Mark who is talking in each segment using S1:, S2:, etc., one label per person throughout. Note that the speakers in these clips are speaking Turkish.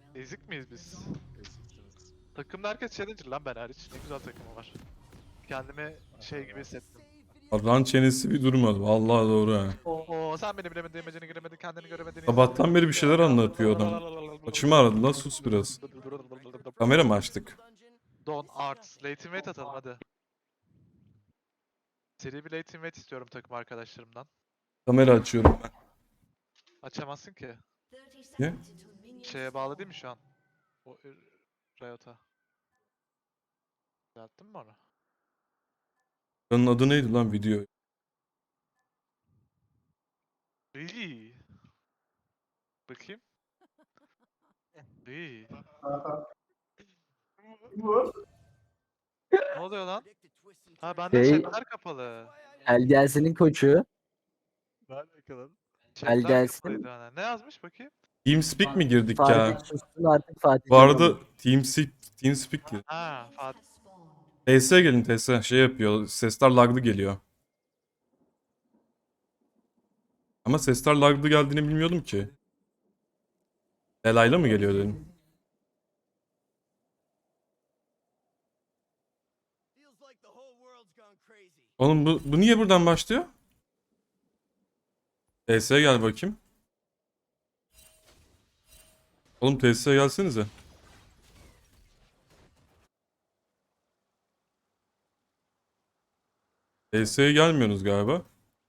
S1: Ezik miyiz biz?
S2: Eziksiniz.
S1: Takımda herkes challenger lan, ben hariç. Ne güzel takımı var. Kendimi şey gibi hissettim.
S3: Ran çenesi bir durmadı. Vallahi doğru ha.
S1: Oo, sen beni bilemedin, imajını giremedin, kendini göremedin.
S3: Sabahtan beri bir şeyler anlatıyor adam. Açımı aradı lan, sus biraz. Kamera mı açtık?
S1: Don Arts. Late invite atalım hadi. Seri bir late invite istiyorum takım arkadaşlarımdan.
S3: Kamera açıyorum ben.
S1: Açamazsın ki.
S3: Ne?
S1: Şeye bağlı değil mi şu an? O Riot'a. Düzelttin mi onu?
S3: Onun adı neydi lan video?
S1: Really? Bakayım. İyi. Ne oluyor lan? Ha, bende
S4: Şey,
S1: chatler kapalı.
S4: Elgelsin'in koçu.
S2: Nerede yakaladın?
S1: Chatler
S4: Gelsin.
S1: kapalıydı hani. Ne yazmış bakayım?
S3: TeamSpeak mi girdik ya?
S4: Fatih sussun artık Fatih.
S3: Bu arada TeamSpeak diyor.
S1: Ha, Fatih.
S3: TS gelin TS. Şey yapıyor. Sesler laglı geliyor. Ama sesler laglı geldiğini bilmiyordum ki. Delayla mı geliyor dedim. Oğlum bu niye buradan başlıyor? TS'ye gel bakayım. Oğlum TS'ye gelsenize. TS'ye gelmiyorsunuz galiba.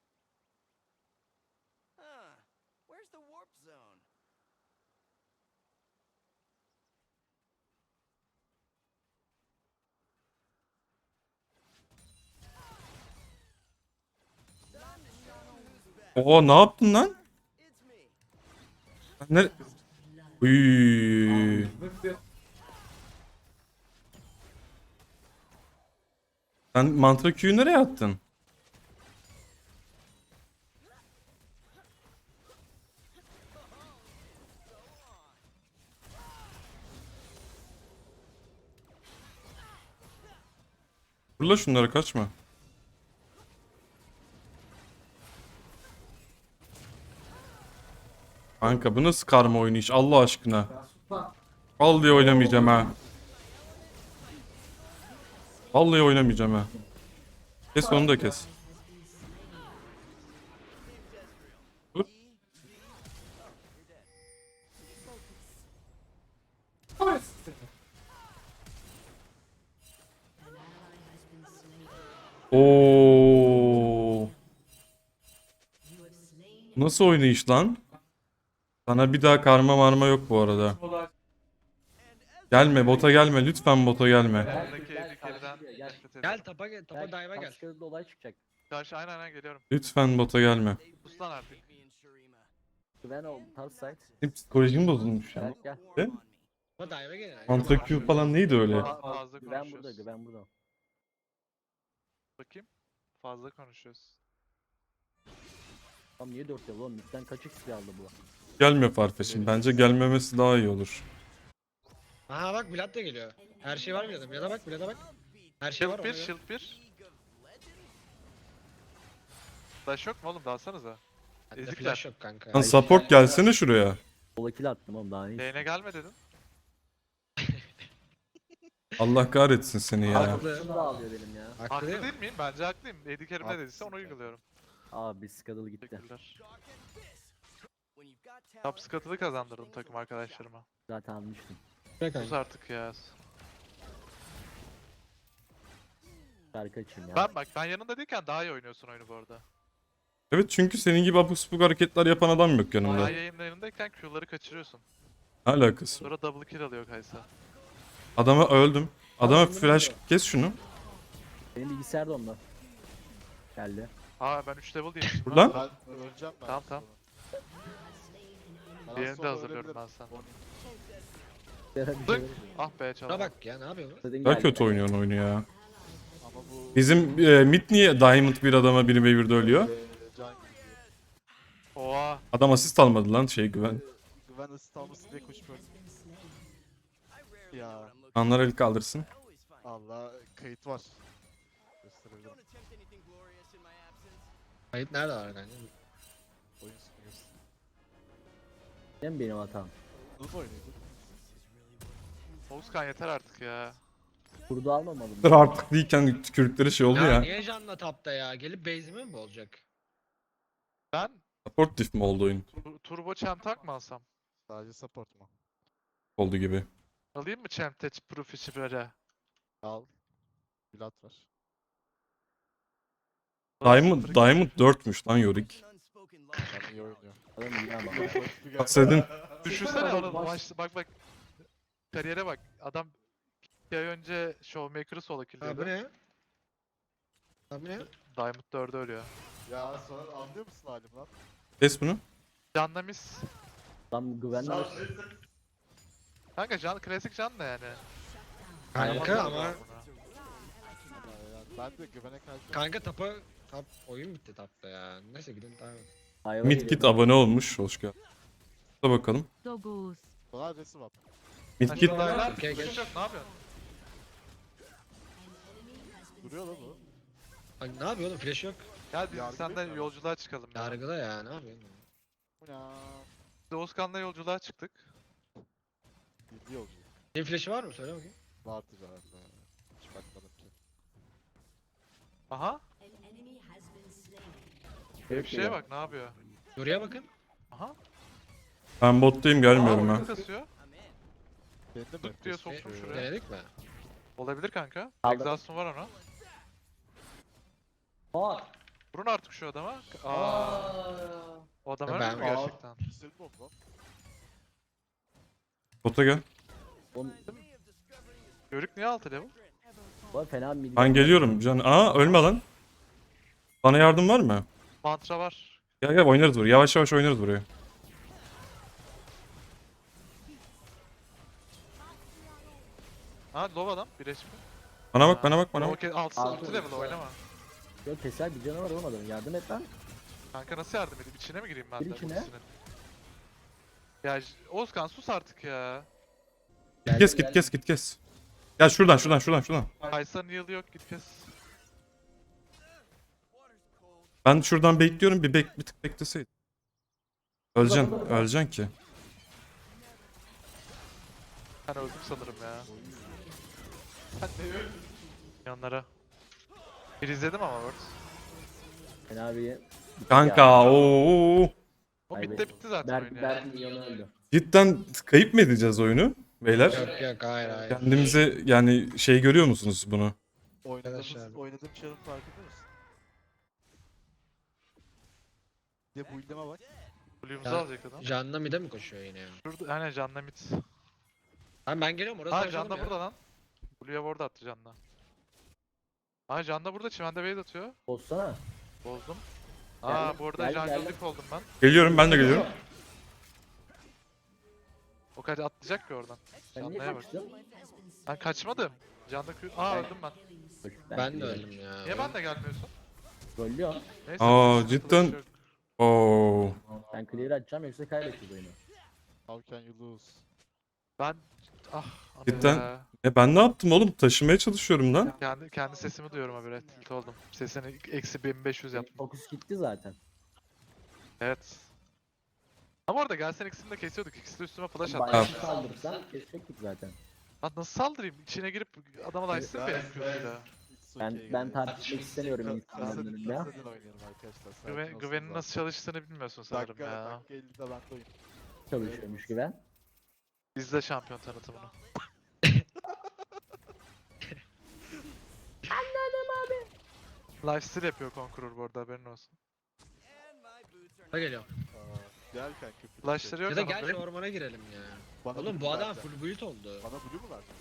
S3: Oo, ne yaptın lan? Ne? Uy. Sen mantra Q'yu nereye attın? Fırla şunları, kaçma. Kanka bu nasıl karma oyunu iş Allah aşkına. Vallahi oynamayacağım ha. Vallahi oynamayacağım ha. Kes onu da kes. Dur. Oo. Nasıl oynayış lan? Sana bir daha karma marma yok bu arada. Gelme bota gelme, lütfen bota gelme.
S1: Buradaki ezik yerden nefret ediyorum.
S5: Gel tapa gel, tapa dive'a gel.
S4: Kaskadır'da olay çıkacak.
S1: Karşı aynen geliyorum.
S3: Lütfen bota gelme.
S1: Sus lan artık.
S4: Güven ol. Top side.
S3: Benim psikolojim bozulmuş ya.
S4: Gel.
S3: Ve
S5: Tapa dive'a gel.
S3: mantra Q falan neydi öyle?
S1: Fazla
S4: Güven burada.
S1: konuşuyoruz.
S4: Güven burada.
S1: Bakayım. Fazla konuşuyoruz.
S4: Tam niye 4 yıl oğlum? Midden kaçık silah aldı bu?
S3: Gelmiyor Farfetch'in. Bence gelmemesi daha iyi olur.
S5: Aha bak Vlad da geliyor. Her şey var Vlad'a. Vlad'a bak, Vlad'a bak. Her şey var
S1: Shield 1,
S5: ona göre.
S1: Shield 1. Flash yok mu oğlum? Dalsanıza.
S5: Bende
S1: Ezikler.
S5: flash yok kanka.
S3: Lan support gelsene şuraya.
S4: Sola kill attım oğlum daha iyi.
S1: Lane'e gelme dedin.
S3: Allah kahretsin seni ya.
S5: Haklı.
S4: Şunu da alıyor benim ya.
S5: Haklı
S1: Haklı
S5: değil mi?
S1: değil miyim? Bence haklıyım. Eddie Kerim ne dediyse
S2: Haklısın
S1: onu
S2: ya.
S1: uyguluyorum.
S4: Abi Skadal gitti.
S1: Teşekkürler. Top skatılı kazandırdım takım arkadaşlarıma.
S4: Zaten almıştım.
S5: Bırak
S1: Sus
S5: kanka.
S1: artık ya.
S4: Şarkı açayım ya.
S1: Ben yanında değilken daha iyi oynuyorsun oyunu bu arada.
S3: Evet, çünkü senin gibi abuk subuk hareketler yapan adam yok
S1: Ben
S3: yanımda.
S1: yayınlarındayken Q'ları kaçırıyorsun.
S3: Ne alakası?
S1: Sonra double kill alıyor Kaysa.
S3: Adama öldüm. Adama flash kes şunu.
S4: Benim bilgisayar da onda. Geldi.
S1: Aa, ben 3 level değilmişim.
S3: Dur lan.
S2: Ben öleceğim ben.
S1: Tamam, tamam.
S2: Ben az
S1: Diğerini de
S2: sonra
S1: hazırlıyorum
S2: ölebilirim.
S1: ben sana. Dık. Ah be,
S5: Şuna
S1: çalamadım.
S5: bak ya, ne yapıyor bu?
S4: Zaten
S3: Daha
S4: geldi.
S3: kötü oynuyorsun oyunu ya.
S2: Ama bu
S3: Bizim mid niye Diamond bir adama biri Waver'da ölüyor?
S2: can
S1: Oha.
S3: Adam asist almadı lan güven.
S2: güven ısıt alması diye koşmuyorum. Ya
S3: Anlar el kaldırsın.
S2: Allah, kayıt var. Gösterebilirim.
S5: Kayıt nerede var kanka?
S2: Oyun sunuyorsun.
S4: Değil mi benim hatam?
S2: Nasıl oynuyordu?
S1: Oğuzkan yeter artık ya.
S4: Kurdu almamalı mı?
S3: Dur artık değilken tükürdükleri şey oldu
S5: Ya
S3: ya.
S5: niye Can'la tapta ya? Gelip base'imi mi olacak?
S1: Ben
S3: Support diff mi oldu oyun?
S1: turbo çentak mı alsam?
S2: Sadece support mu?
S3: Oldu gibi.
S1: Alayım mı Chemtech Professional'e?
S2: Al. Vlad var.
S3: Diamond 4'müş lan Yorick.
S2: Adam iyi oynuyor.
S4: Adam iyi ama.
S3: Bahsedin.
S1: Düşünsene
S4: Oğlum,
S1: onu
S4: baş-
S1: maçta bak. Kariyere bak. Adam 2 ay önce Showmaker'ı solo
S5: Ha bu
S1: kill'liyordu.
S5: ne? Ha bu ne?
S1: Diamond 4'e ölüyor.
S2: Ya sonra anlıyor musun halim lan?
S3: Kes bunu.
S1: Canlamis.
S4: Adam güvenli var.
S1: Kanka klasik can da yani.
S5: Kanka
S1: Yapamazlar
S5: ama
S1: bunu.
S2: Ben de güvene karşı.
S5: kanka tap oyun bitti tapta ya. Neyse gidin tamam.
S4: Hayvan
S3: Mid
S4: geliyor.
S3: Git abone olmuş. Hoş geldin. Da bakalım.
S6: Dogus.
S2: Bana adresi var.
S3: Mid
S1: Sen
S3: Git
S1: şu dayılar
S5: Okey,
S1: kuş
S5: geç.
S1: yok, ne yapıyorsun?
S2: Duruyor lan bu.
S5: Ay, ne yapıyor oğlum? Flash yok.
S1: Gel biz
S2: Yargı
S1: senden
S2: yok.
S1: yolculuğa çıkalım ya.
S5: Yargıda ya ne yapıyorsun?
S2: Bu ne?
S1: Biz Oğuzkan'la yolculuğa çıktık.
S2: Bildi yolcu.
S5: Senin flash'ı var mı? Söyle bakayım.
S2: Vardı zaten. Hiç bakmadım ki.
S1: Aha.
S4: Herif
S1: Bir şeye
S4: geliyor.
S1: bak ne yapıyor.
S5: Buraya bakın.
S1: Aha.
S3: Ben bottayım gelmiyorum
S1: Aa,
S3: ha.
S1: ulti kasıyor.
S2: Benim de
S1: Dık diye soktum şuraya.
S5: Denedik mi?
S1: Olabilir kanka.
S4: Aldım.
S1: Exhaust'un var ona.
S4: Aa!
S1: Vurun artık şu adama. O adam
S5: Ya
S1: ölmüyor
S5: ben-
S1: mu gerçekten?
S2: Senin bomba.
S3: Bota gel.
S4: Oğlum,
S1: Yörük niye 6 level?
S4: bu fena mid.
S3: Ben geliyorum. Can. Aa ölme lan. Bana yardım var mı?
S1: Mantra var.
S3: Gel gel oynarız buraya. Yavaş yavaş oynarız buraya.
S1: Ha low adam. 1 HP.
S3: Bana bak bana bak bana bak.
S1: Okey 6
S4: Altı
S1: level oynama.
S4: Yok keser bir canavar olmadı. Yardım et lan.
S1: Kanka nasıl yardım edeyim? İçine mi gireyim ben
S4: Gir
S1: de
S4: içine.
S1: ultisinin? Ya Oğuzkan sus artık ya.
S3: Kes git kes git kes. Gel şuradan.
S1: Kaysa'nın yılı yok git kes.
S3: Ben şuradan bekliyorum bir tık bekleseydin. Öleceksin ki.
S1: Ben öldüm sanırım ya. Ben de öldüm. Yanlara. Bir izledim ama Word.
S4: Fena bir...
S3: Kanka ooo.
S1: O
S4: Kaybettim.
S1: bitti zaten oyun ya.
S4: Berk milyonu öldü.
S3: Cidden kayıp mı edeceğiz oyunu beyler?
S5: Yok yok hayır hayır.
S3: Kendimize yani şey görüyor musunuz bunu?
S5: Arkadaşlar.
S2: Oynadığım çarın farkında mısın? Bir de bu illeme bak.
S1: Blue'umuzu
S5: Ya,
S1: alacak adam.
S5: Can'la mid'e mi koşuyor yine ya?
S1: Şurada hani Can'la mid.
S5: Ben geliyorum orası
S1: Ha
S5: açalım
S1: Can da
S5: ya.
S1: burada lan. Blue'ya ward attı Can'la. Ha Can da burada çimende base atıyor.
S4: Bozsana.
S1: Bozdum.
S4: Geldim,
S1: Aa bu arada
S4: geldim.
S1: jungle'lık oldum ben.
S3: Geliyorum ben de geliyorum.
S1: O kadar atlayacak ki oradan.
S4: Sen niye
S1: Canlıya bak.
S4: kaçtın?
S1: Ben kaçmadım. Can'da Aa öldüm ben.
S5: Ben de öldüm ya.
S1: Niye ben de gelmiyorsun?
S4: Rollüyor.
S1: Neyse.
S3: Aa,
S1: sıkıntı
S3: cidden-
S1: yok.
S3: Oo.
S4: Ben clear açacağım yoksa kaybedeceğiz oyunu.
S2: How can you lose?
S1: Ben ana
S3: Cidden-
S1: ya.
S3: Ben ne yaptım oğlum? Taşımaya çalışıyorum lan.
S1: Kendi sesimi duyuyorum habire. Tilt oldum. Sesini eksi 1500 yaptım.
S4: Fokus gitti zaten.
S1: Evet. Ama orada gelsen ikisini de kesiyorduk. İkisi de üstüme flash attı.
S4: Bayağı saldırırsan kesecektik zaten.
S1: Lan nasıl saldırayım? İçine girip adama da açsın benim Q'suyla.
S2: It's
S4: Ben
S2: okay
S4: ben
S2: guys.
S4: tartışmak istemiyorum insanların
S2: Kasadin
S4: önünde.
S2: oynayalım arkadaşlar. sakin olsun
S1: Güven'in
S2: zaten.
S1: nasıl çalıştığını bilmiyorsun sanırım
S2: Dakika,
S1: ya.
S2: dakika 50'de ben de oyun.
S4: Çalışıyormuş güven.
S1: İzle şampiyon tanıtımını. Lifesteal yapıyor Conqueror bu arada haberin olsun.
S5: Ha geliyorum.
S2: Aa, gel kanka.
S1: Flashları yok
S5: Ya da
S1: ama
S5: gel şu
S1: benim.
S5: ormana girelim ya.
S2: Bana
S5: Oğlum
S2: blue
S5: bu adam
S2: versene.
S5: full build oldu.
S2: Bana blue mu verdin?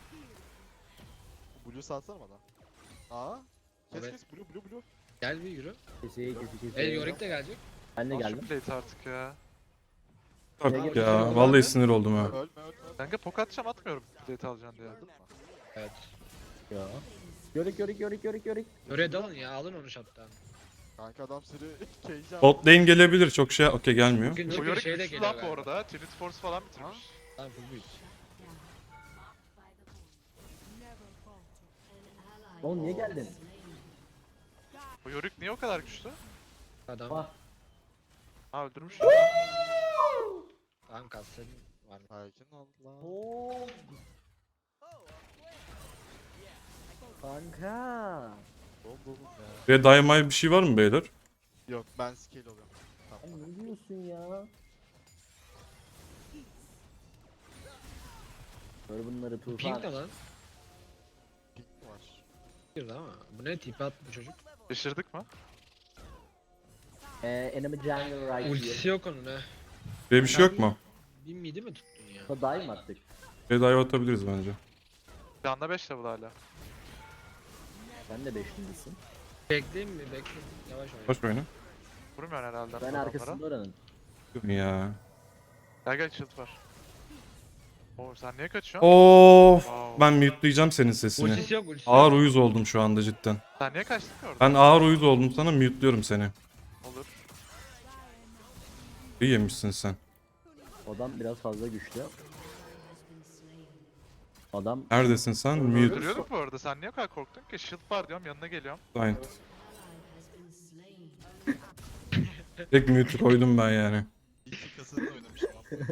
S2: Blue salsana bana. Aa. Kes
S5: Evet.
S2: kes blue.
S5: Gel bir yürü.
S4: Keseye kesi.
S5: El Yorick de gelecek.
S4: Ben de
S1: Al şu
S4: geldim.
S1: plate artık ya.
S3: Artık ya. Vallahi sinir oldum ha.
S2: Ölme.
S1: Kanka pok atacağım atmıyorum plate alacaksın diye.
S2: Öldün mü?
S5: Evet.
S4: Ya. Yorick.
S5: Oraya dalın ya alın onu shot'tan.
S2: Kanka adam seni cage
S3: Bot lane gelebilir çok şey. Okey gelmiyor.
S5: Bugün
S1: Bu
S5: çünkü
S1: Yorick
S5: şey de
S1: güçlü
S5: geliyor
S1: lan bu
S5: galiba.
S1: arada. Trinity Force falan bitirmiş.
S5: Lan full build.
S4: Oğlum niye geldin?
S1: Bu Yorick niye o kadar güçlü?
S5: Adam.
S4: Ah.
S1: Ha öldürmüş.
S5: Tamam kassetin var.
S2: Sakin ol lan.
S4: Oo. Kanka.
S2: Oğlum oğlum ya.
S3: Ve daimay bir şey var mı beyler?
S2: Yok ben scale oluyorum.
S4: Sen
S2: Tamam.
S4: ne diyorsun ya? Gör bunları Tufan.
S5: Pink ne lan?
S2: Pink mi var?
S5: Girdi ama. Bu ne tipi attı bu çocuk?
S1: Düşürdük mü?
S4: Enemy jungle right here.
S5: Ultisi yok onun ha.
S3: Böyle bir şey yok mu?
S5: Bir midi mi tuttun ya?
S4: Da dive mi attık?
S3: Ve dive atabiliriz bence.
S1: Canla 5 level hala.
S4: Sen de 5'lisin.
S5: Bekleyeyim mi? Bekleyeyim. Yavaş oyna.
S3: Baş oyna.
S1: Vurmuyorsun herhalde.
S4: Ben
S1: adamlara.
S4: arkasında oranın.
S3: Ya.
S1: Gel gel shield var. Oo sen niye kaçıyorsun?
S3: Of.
S1: Wow.
S3: Ben mute'layacağım senin sesini.
S5: Ultisi yok ultisi
S3: Ağır
S5: yok.
S3: uyuz oldum şu anda cidden.
S1: Sen niye kaçtın ki orada?
S3: Ben ağır uyuz oldum sana mute'luyorum seni.
S1: Olur.
S3: İyi yemişsin sen.
S4: Adam biraz fazla güçlü. Adam
S3: Neredesin sen? Mute.
S1: Duruyorduk bu arada. Sen niye o kadar korktun ki? Shield var diyorum yanına geliyorum.
S3: Aynen. Tek mute koydum ben yani.
S2: İlk kasını da oynamışım aslında.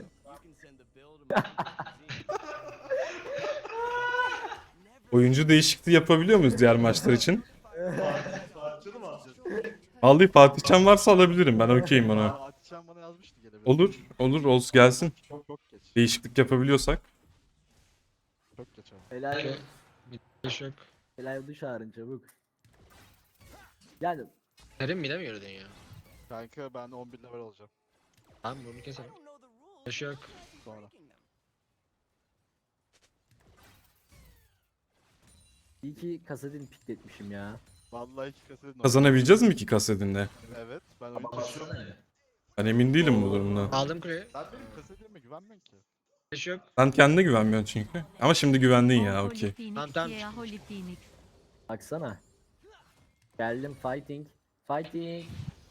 S3: Oyuncu değişikliği yapabiliyor muyuz diğer maçlar için?
S2: Parçalı mı alacağız?
S3: Vallahi Fatihcan varsa alabilirim ben okeyim ona.
S2: Atişan bana yazmıştı gelebilir.
S3: Olur, olur, olsun gelsin.
S2: Çok geç.
S3: Değişiklik yapabiliyorsak.
S2: Çok geç abi.
S4: helal,
S5: Okey. Hiç yok.
S4: helal dış çağırın çabuk. Yani
S5: Serin mide mi yürüdün ya?
S2: Kanka ben 11 level olacağım
S5: Tamam bunu keselim. Hiç yok.
S2: sonra.
S4: iyi ki kasetin pikletmişim ya.
S2: Vallahi iki kasını
S3: Kazanabileceğiz mi ki kasedinle?
S2: Evet ben oyun taşıyorum.
S3: Ben emin değilim bu durumda.
S5: Aldım kuleyi.
S2: Sen benim kasetime güvenmiyorsun ki.
S5: Hiç yok.
S3: Sen kendine güvenmiyorsun çünkü. Ama şimdi güvendin ya okey.
S5: Tamam, tamam.
S6: Holy Phoenix.
S4: Baksana. Geldim fighting. Fighting.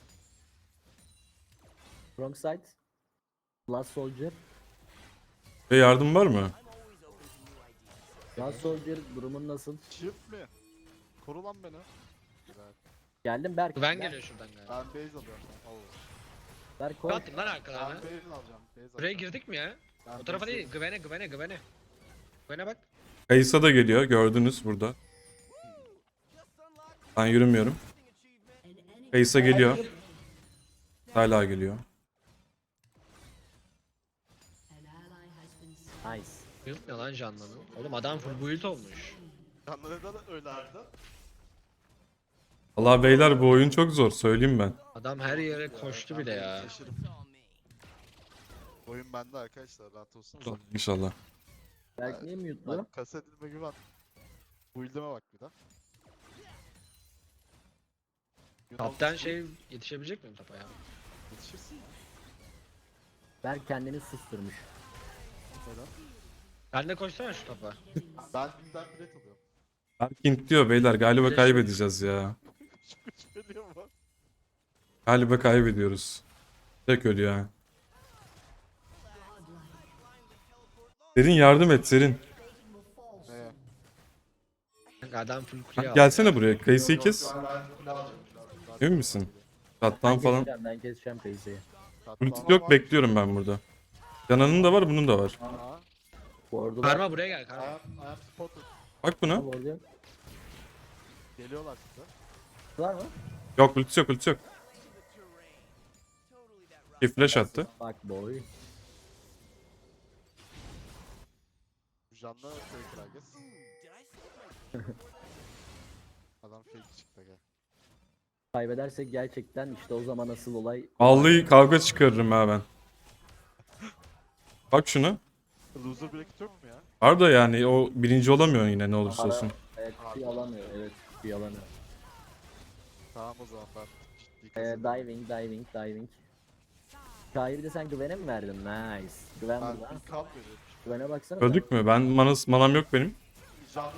S4: Wrong side. Last soldier.
S3: Ve yardım var mı?
S4: Last soldier durumun nasıl?
S2: Çift mi? Koru lan beni. Güzel.
S4: Geldim Berk.
S5: Güven geliyor şuradan galiba.
S2: Ben base alıyorum. Allah.
S4: Berk
S5: Ne
S4: koy.
S5: attın lan
S2: Ben
S5: arkalarına?
S2: base alacağım. Base
S5: Buraya
S2: alacağım.
S5: girdik mi ya?
S2: Ben
S5: O tarafa
S2: base
S5: değil. Güvene güvene güvene. Güvene bak.
S3: Kayısa da geliyor gördünüz burada. Ben yürümüyorum. Kayısa geliyor. Hala geliyor.
S4: Nice.
S5: Build ne lan canlanın? Oğlum adam full build olmuş.
S2: Canları da öyle harbiden.
S3: Allah beyler bu oyun çok zor söyleyeyim ben.
S5: Adam her yere koştu bile ya.
S2: Şaşırım. Oyun bende arkadaşlar rahat olsun.
S3: İnşallah.
S4: Berk niye mute'lu?
S2: Bak kasetime güven. Build'ime bak bir daha.
S5: Kaptan şey yetişebilecek miyim topa ya?
S2: Yetişirsin.
S4: Berk kendini susturmuş.
S2: Neden?
S5: Ben de koşsana şu topa.
S2: Ben bilet alıyorum.
S3: Berking diyor beyler galiba kaybedeceğiz ya.
S2: Söylüyor mu?
S3: Galiba kaybediyoruz. Tek ölüyor ha. Serin yardım et Serin.
S2: Neye?
S5: Kanka adam full kuleye aldı.
S3: Gelsene buraya kayısıyı kes.
S2: Ben kule alacağım.
S3: Emin misin? Kattan falan.
S4: Ben keseceğim Kayse'yi.
S3: Ulti yok bekliyorum ben burada. Canan'ın da var bunun da var.
S2: Aa,
S4: Ward'u var.
S5: Karma buraya gel karma.
S2: I am spotted.
S3: Bak buna.
S4: Ward'u yok.
S2: Geliyorlar size.
S4: Var mı?
S3: Yok ulti yok ulti yok. Bir flash attı.
S4: Bak boy.
S2: Canlı fake herkes. Adam fake çıktı gel.
S4: Kaybedersek gerçekten işte o zaman asıl olay.
S3: Vallahi kavga çıkarırım ha ben. Bak şuna.
S2: Loser bracket yok mu ya?
S3: Var da yani o birinci olamıyor yine ne olursa olsun.
S4: Evet, kutuyu alamıyor. Evet, kutuyu alamıyor.
S2: Tamam o zaman ben ciddi kazandım.
S4: Diving. Şair bir de sen güvene mi verdin? Nice. Güven
S2: Ben
S4: burada.
S2: bir kamp veriyorum.
S4: Güvene baksana.
S3: Öldük mü? Ben manam yok benim.
S2: Canlı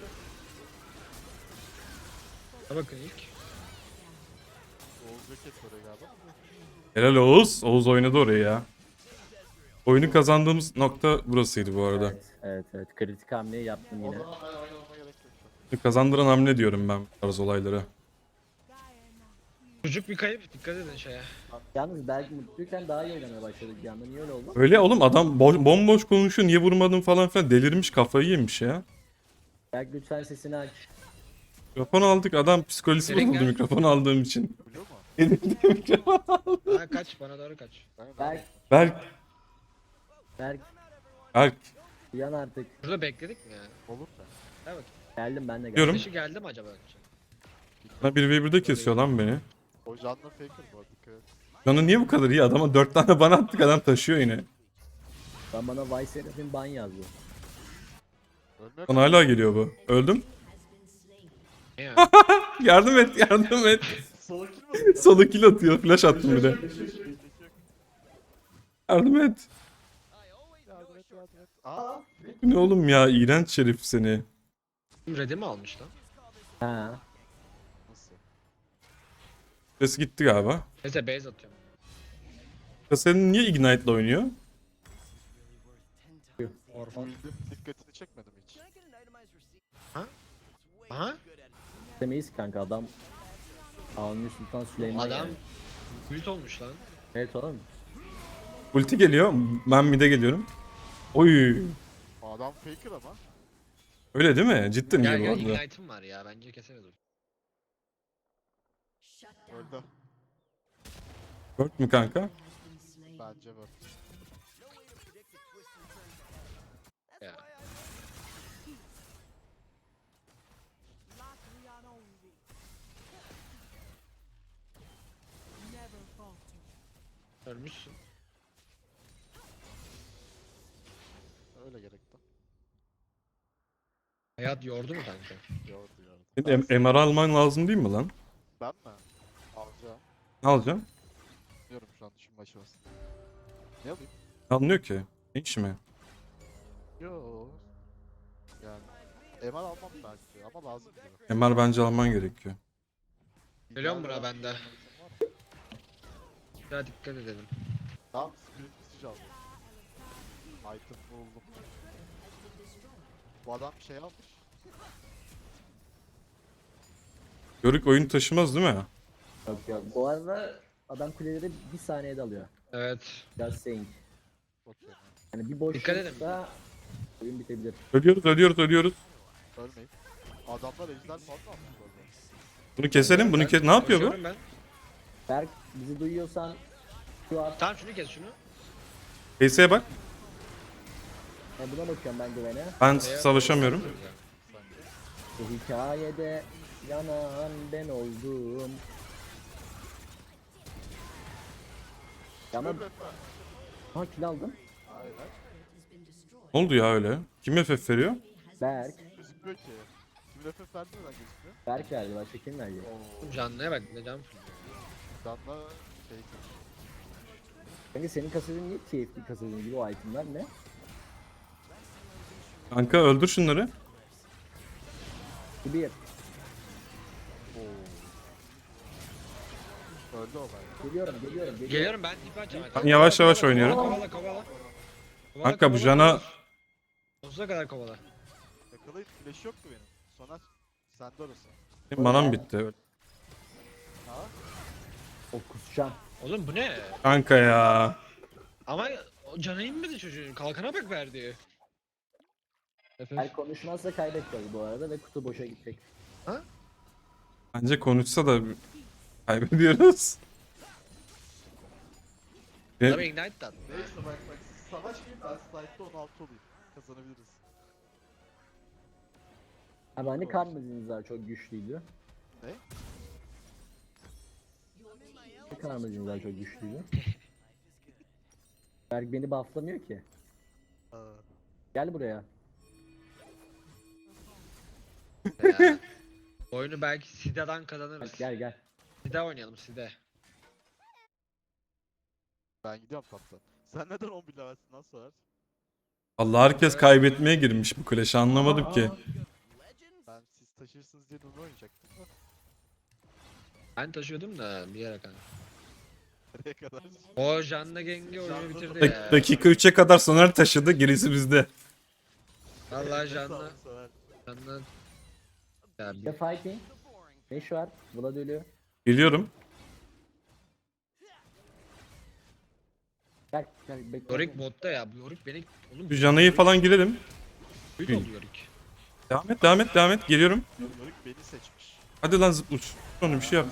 S5: Ha bakın ilk.
S2: Oğuz bracket oraya galiba.
S3: Helal Oğuz. Oğuz oynadı orayı ya. Oyunu kazandığımız nokta burasıydı bu arada.
S4: Evet. Kritik hamleyi yaptım
S2: O
S4: yine.
S2: zaman ben oynamama gerek yok.
S3: Oyunu kazandıran hamle diyorum ben bu tarz olaylara.
S5: Çocuk bir kayıp. Dikkat edin şeye.
S4: Yalnız belki mutluyken daha iyi oynamaya başladık bir anda. Niye öyle oldu?
S3: Öyle oğlum adam bomboş konuşuyor niye vurmadın falan filan delirmiş kafayı yemiş ya.
S4: Belki lütfen sesini aç.
S3: Mikrofon aldık. Adam psikolojisi
S5: Direkt
S3: bozuldu
S5: gel.
S3: mikrofon aldığım için.
S2: Biliyor mu?
S3: Elimde mikrofon.
S5: Ha kaç bana doğru kaç.
S4: Berk,
S3: Berk.
S4: Berk.
S3: Berk.
S4: Uyan artık.
S5: Burada bekledik mi ya?
S2: Olur mu?
S5: Ha bak.
S4: Geldim ben de geldim.
S3: Diyorum.
S5: Dışı geldi mi acaba?
S3: Bana 1v1'de kesiyor lan beni.
S2: O canlı faker bu arada. Dikkat et.
S3: Canı niye bu kadar iyi? Adama 4 tane bana attık, adam taşıyor yine.
S4: Ben bana Vice Seraphim ban yazdı.
S2: Ölmüyor
S3: Bana hala geliyor bu. Öldüm.
S5: Ne ya?
S3: Yardım et, yardım et.
S2: Sola kim
S3: Solu kill atıyor. Flash attım bir de. Yardım et.
S2: Yardım et, yardım et. Aa!
S3: Bu ne oğlum ya? İğrenç şerif seni.
S5: Red'i mi almış lan?
S4: Ha.
S2: Nasıl?
S3: Ses gitti galiba.
S5: Neyse base atıyorum.
S3: Kasenin niye Ignite'la oynuyor?
S5: Orfan.
S2: Bildim. Dikkatini çekmedim hiç.
S5: Aha.
S4: Demeyiz kanka adam. Avni Sultan Süleyman
S5: Adam
S4: yani.
S5: ult olmuş lan.
S4: Evet oğlum.
S3: Ulti geliyor. Ben mid'e geliyorum. Oy.
S2: Adam faker ama.
S3: Öyle değil mi? Cidden
S5: Gel
S3: iyi bu
S5: gel
S3: arada.
S5: ignite'ım var ya bence keseriz.
S2: Öldü.
S3: Dört mü kanka?
S2: Bence bu.
S5: Ya. Ölmüşsün.
S2: Öyle gerekti.
S5: Hayat yordu mu kanka?
S2: Gördü gördü.
S3: Senin MR alman lazım değil mi lan?
S2: Ben mi? Alacağım.
S3: Ne alacaksın?
S2: Diyorum şu an düşünme aşamasında. Ne alayım?
S3: Ne alınıyor ki? Ne iş mi?
S2: Yo. Yani. MR almam belki ama lazım gibi.
S3: MR bence alman gerekiyor.
S5: Geliyorum buna bende. Ya dikkat edelim.
S2: Tamam, spirit message aldım. Item buldum. Bu adam bir şey almış.
S3: Yörük oyun taşımaz değil mi?
S4: Yok yok. Bu arada adam kuleleri bir saniyede alıyor.
S5: Evet.
S4: Just saying.
S2: Okey.
S4: Yani bir
S5: Dikkat edin.
S4: boşlukta oyun bitebilir.
S3: Ölüyoruz, ölüyoruz, ölüyoruz.
S2: Ölmeyin. Adamlar ejder fazla almış bu arada.
S3: Bunu keselim, bunu kes... Ne yapıyor bu?
S5: Koşuyorum ben.
S4: Berk bizi duyuyorsan şu an
S5: Tamam şunu kes şunu.
S3: PS'ye bak.
S4: buna bakıyorum ben güvene.
S3: Ben savaşamıyorum.
S4: Bu hikayede yanan ben oldum. Yanan... Ha kill aldım.
S3: Ne oldu ya öyle? Kim FF veriyor?
S4: Berk.
S2: Gözükmüyor ki. Kim FF verdi neden gözükmüyor?
S4: Berk verdi başka kim verdi?
S5: Canlıya bak ne can.
S2: Canla faker.
S4: Kanka senin kasetin niye TFT kasetin gibi o itemler ne?
S3: Kanka öldür şunları.
S4: Bu bir.
S2: Öldü o ben.
S4: Geliyorum.
S5: Geliyorum ben tipi açacağım.
S3: Ben yavaş yavaş oynuyorum.
S5: Kovala kovala.
S3: Kanka bu Jana...
S5: Sonsuza kadar kovala.
S2: Yakalayıp flash yoktu benim. Soner sende orası.
S3: Benim manam bitti.
S4: O kusacağım.
S5: Oğlum bu ne?
S3: Kanka ya.
S5: Ama o canı inmedi çocuğun. Kalkana bak verdi.
S4: Berk konuşmazsa kaybedeceğiz bu arada ve kutu boşa gidecek.
S3: Bence konuşsa da kaybediyoruz.
S5: Tabii ignite de
S2: Neyse bak savaş gibi ben slide'da 16 olayım. Kazanabiliriz.
S4: Abi hani karmazinizler çok güçlüydü.
S2: Ne?
S4: Karmazinizler çok güçlüydü. Berk beni bufflamıyor ki. Gel buraya.
S5: ya. Oyunu belki Sida'dan kazanırız.
S4: Bak gel.
S5: Sida oynayalım Sida.
S2: Ben gidiyorum kaptan. Sen neden 11 levelsin lan Soner?
S3: Allah herkes kaybetmeye girmiş bu Clash'i anlamadım ki.
S2: Ben siz taşırsınız diye Nunu oynayacaktım da.
S5: Ben taşıyordum da bir yere kadar.
S2: Nereye kadar?
S5: O Janna Geng'i oyunu bitirdi ya.
S3: Dakika 3'e kadar Soner taşıdı, gerisi bizde.
S5: Vallahi
S2: Sağ ol
S5: Janna.
S2: Soner.
S5: Janna. Ya
S4: The fighting. Ne şu var? Vlad ölüyor.
S3: Geliyorum.
S4: Gel bekle.
S5: Yorick botta ya. Bu Yorick beni... Oğlum
S3: Bir Jana'yı falan girelim.
S5: büyük oldu Yorick.
S3: Devam et. Geliyorum.
S2: Yörük beni seçmiş.
S3: Hadi lan zıpla uç. Onu bir şey yap.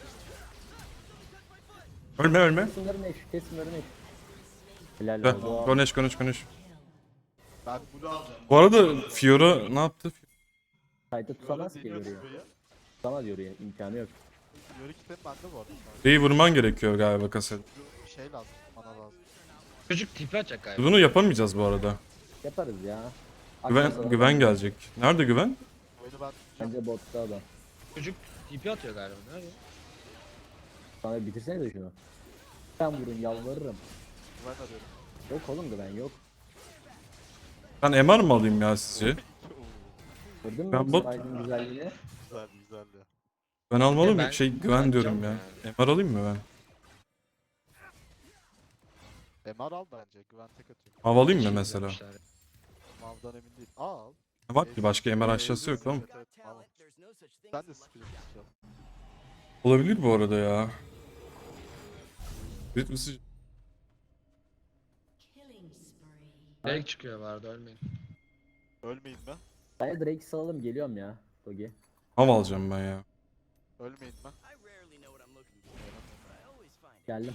S3: Ölme ölme.
S4: Kesin ölme eş. Kesin ölme eş. Helal
S3: Heh,
S4: oldu.
S3: konuş.
S2: Ben bunu alacağım.
S3: Bu arada Fiora ne yaptı?
S4: Kayda tutamaz ki
S2: Deniyor
S4: yoruyor.
S2: buraya.
S4: Tutamaz yoruyor. İmkanı yok.
S2: Yörük item bende bu arada.
S3: Şeyi vurman gerekiyor galiba kasel.
S2: Bir şey lazım. Bana lazım.
S5: Çocuk tipi atacak galiba.
S3: Bunu yapamayacağız bu arada.
S4: Yaparız ya.
S3: Güven,
S4: Aklı
S3: güven
S4: sana-
S3: gelecek. Nerede güven?
S2: Oyunu ben
S4: Bence botta adam.
S5: Çocuk tipi atıyor galiba. Nerede?
S4: Sana bitirsene de şunu. Ben vurun yalvarırım.
S2: güven arıyorum.
S4: Yok oğlum güven yok.
S3: Ben MR mı alayım ya sizce?
S4: Gördün mü
S3: Ben bot-
S4: Aydın güzelliğini?
S2: Güzel ya.
S3: Ben almalıyım
S5: Ben-
S3: mı? Güven diyorum ya. MR alayım mı ben?
S2: MR al bence. Güven tek atıyor.
S3: Mav alayım mı
S5: Şey
S3: mesela?
S5: yapmışlar.
S2: Mav'dan emin değil. Al.
S3: Var ki başka MR aşağısı yok ama.
S2: Evet, al. Ben de spirit istiyorum.
S3: Olabilir bu arada ya. Ritmisi
S5: Direkt çıkıyor vardı ölmeyin.
S2: Ölmeyin mi?
S4: Ben de Drake'i salalım geliyorum ya. Togi.
S3: Mav alacağım ben ya.
S2: Ölmeyin mi?
S4: Geldim.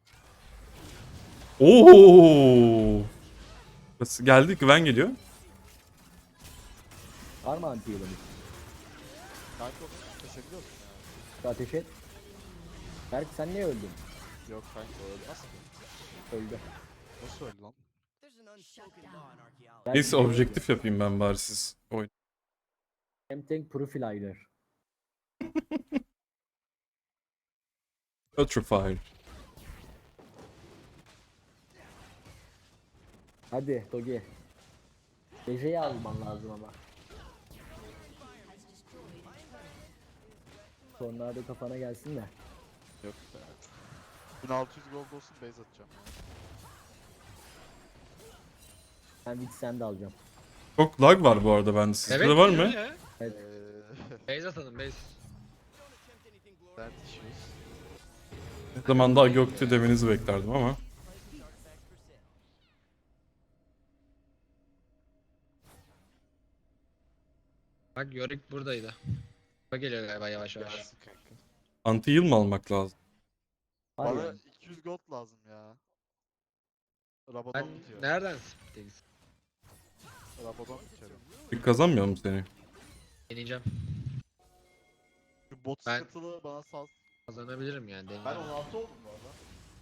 S3: Oo! Burası geldi, güven geliyor.
S4: Var mı anti yılımız?
S2: Kanka onu kesebiliyor musun ya?
S4: Şu ateş et. Berk sen niye öldün?
S2: Yok kanka o ölmez ki.
S4: Öldü.
S2: Nasıl öldü lan?
S4: Berk
S3: Neyse
S4: niye öldü?
S3: objektif yapayım ben bari siz oyun.
S4: Hem-Tank Profiler.
S3: Ultrafire.
S4: Hadi Togi. Beje'yi alman lazım ama. Tornado kafana gelsin de.
S2: Yok be. 1600 gold olsun base atacağım.
S4: Ben Witch Sand alacağım.
S3: Çok lag var bu arada bende. Sizde de var mı?
S5: ya.
S2: Eee...
S5: Base atalım base.
S2: Dert issues.
S3: Ne zamanda Gökte demenizi beklerdim ama.
S5: Bak Yorick buradaydı. Bak geliyor galiba yavaş yavaş.
S2: Gelsin kanka.
S3: Anti heal mı almak lazım?
S4: Var
S2: Bana
S4: ya.
S2: 200 gold lazım ya. Rabadon
S5: Ben
S2: bitiyor.
S5: nereden spitteyiz?
S2: Rabadon bitiyor.
S3: Bir kazanmıyor mu seni?
S5: Deneyeceğim.
S2: Şu bot
S5: Ben-
S2: sıkıntılı bana sal.
S5: Kazanabilirim yani
S2: Ben
S5: deneyeceğim.
S2: 16 oldum bu arada.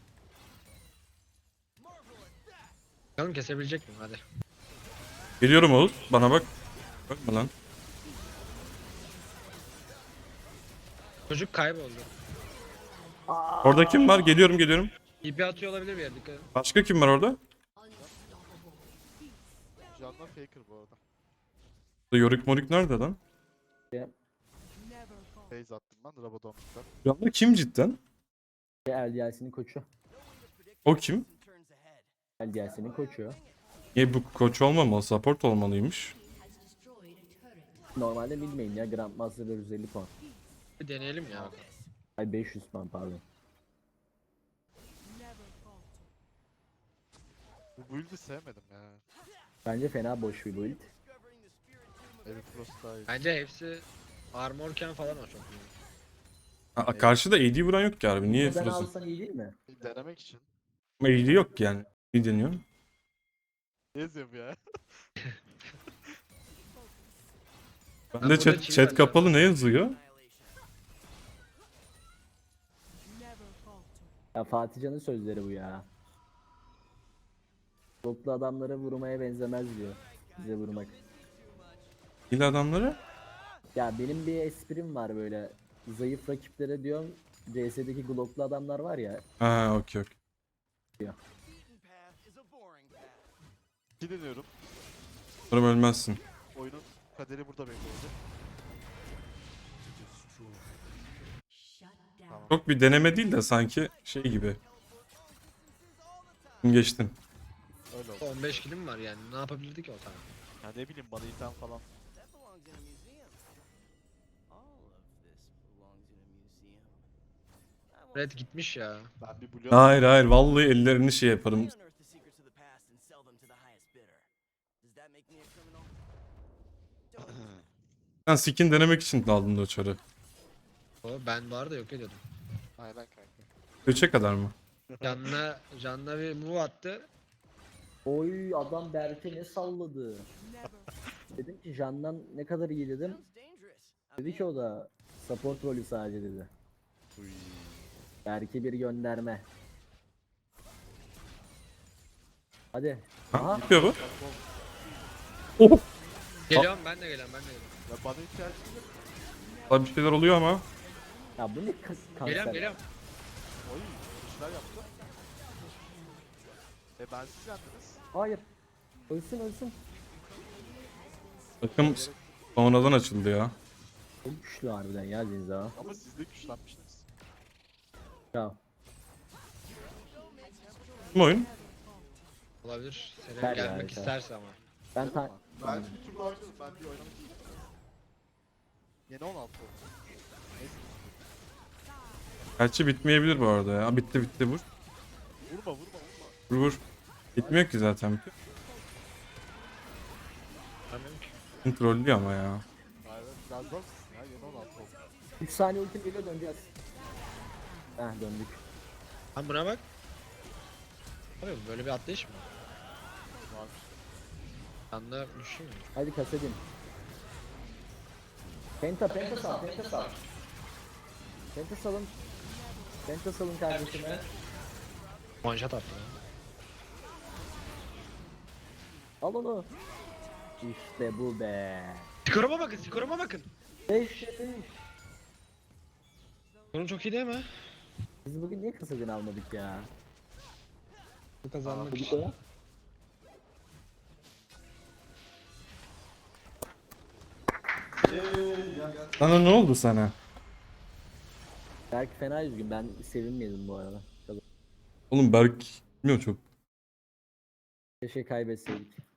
S5: Bakalım kesebilecek miyim hadi.
S3: Geliyorum Oğuz. Bana bak. Bakma lan.
S5: Çocuk kayboldu.
S3: Orada kim var? Geliyorum.
S5: İpi atıyor olabilir bir yere dikkat edin.
S3: Başka kim var orada?
S2: Canla faker bu arada.
S3: Yorick Morik nerede lan?
S2: Phase attım ben Rabadon biter.
S3: Canlı kim cidden?
S4: LDLC'nin koçu.
S3: O kim?
S4: LDLC'nin koçu.
S3: Niye bu koç olmamalı? Support olmalıymış.
S4: Normalde bilmeyin ya Grandmaster 450 puan.
S5: Bir deneyelim ya.
S4: Ay 500 puan pardon.
S2: Bu build'i sevmedim ya.
S4: Bence fena boş bir build.
S2: Evi Frost daha iyi.
S5: Bence hepsi armorken falan o çok iyi.
S3: Karşıda AD vuran yok ki abi. Niye
S4: Neden
S3: Frost'un?
S4: alsan iyi değil mi?
S2: Denemek için.
S3: Ama AD yok yani. Ne deniyor?
S2: Ne yazıyorum ya?
S3: Ben
S5: Ben
S3: de
S5: burada
S3: chat
S5: chill var
S3: kapalı ne yazıyor?
S4: Ya Fatih Can'ın sözleri bu ya. Bloklu adamlara vurmaya benzemez diyor. Bize vurmak.
S3: İl adamları?
S4: Ya benim bir esprim var böyle. Zayıf rakiplere diyorum. CS'deki Glock'lu adamlar var ya.
S3: Ha okey.
S2: İki deniyorum.
S3: Umarım ölmezsin.
S2: Oyunun kaderi burada belli olacak.
S3: Çok bir deneme değil de sanki şey gibi. Geçtin.
S2: Öyle oldu.
S5: 15 kilim var yani ne yapabilirdi ki o tane?
S2: Ya ne bileyim bana item falan.
S5: Red gitmiş ya.
S2: Ben bir blue
S3: Hayır vallahi ellerini şey yaparım. Sen skin denemek için aldın o çarı.
S5: Ben bu arada yok ediyordum.
S2: Aynen kanka.
S3: 3'e kadar mı?
S5: Canla bir move attı.
S4: Oy adam Berke ne salladı. Dedim ki Jan'dan ne kadar iyi dedim. Dedi ki o da support rolü sadece dedi.
S2: Uy.
S4: Berke bir gönderme. Hadi.
S3: Ha,
S4: Aha.
S3: bitiyor bu.
S2: Bak,
S3: Oh!
S5: Geliyorum ben de geliyorum.
S2: ya bana ihtiyacın yok.
S3: Daha bir şeyler oluyor ama.
S4: Ya bu ne kanser.
S5: Geliyorum.
S2: Oy. İşler yaptı. Ben siz yendiniz.
S4: Hayır. Ölsün ölsün.
S3: Takım sonradan açıldı ya.
S4: Çok güçlü harbiden ya Zinza.
S2: Ama siz de güçlenmiştiniz.
S4: Ya.
S3: Kim oyun?
S5: Olabilir. Senin
S4: Ver
S5: gelmek
S4: ya,
S5: isterse ama.
S4: Ben ta
S2: Ben bir tur daha oynadım. Ben bir oynamak değilim. Yeni 16 oldu. Neyse.
S3: Gerçi bitmeyebilir bu arada ya. Bitti bitti vur.
S2: Vurma vurma.
S3: Vur vur. Bitmiyor ki zaten.
S5: Anlamıyorum ki.
S3: Kim trollüyor ama ya.
S2: Aynen. Biraz zor musun ya? Yeni 16 oldu.
S4: 3 saniye ultim geliyor döneceğiz. Heh döndük.
S5: Lan buna bak. Abi böyle bir atlayış mı?
S2: Var.
S5: Canla düşüyor mu?
S4: Hadi kasedin. Penta sal. Penta salın. Penta salın kardeşime.
S5: One shot attı lan.
S4: Al onu. İşte bu be.
S5: Skoruma bakın.
S4: 5
S5: Skorum çok iyi değil mi?
S4: Biz bugün niye kasedin almadık ya?
S5: Bu kazanmak
S4: Bu
S5: için.
S4: da.
S3: Sana ne oldu sana?
S4: Belki fena üzgün. Ben sevinmedim bu arada.
S3: Oğlum Berk bilmiyorum çok.
S4: Keşke kaybetseydik.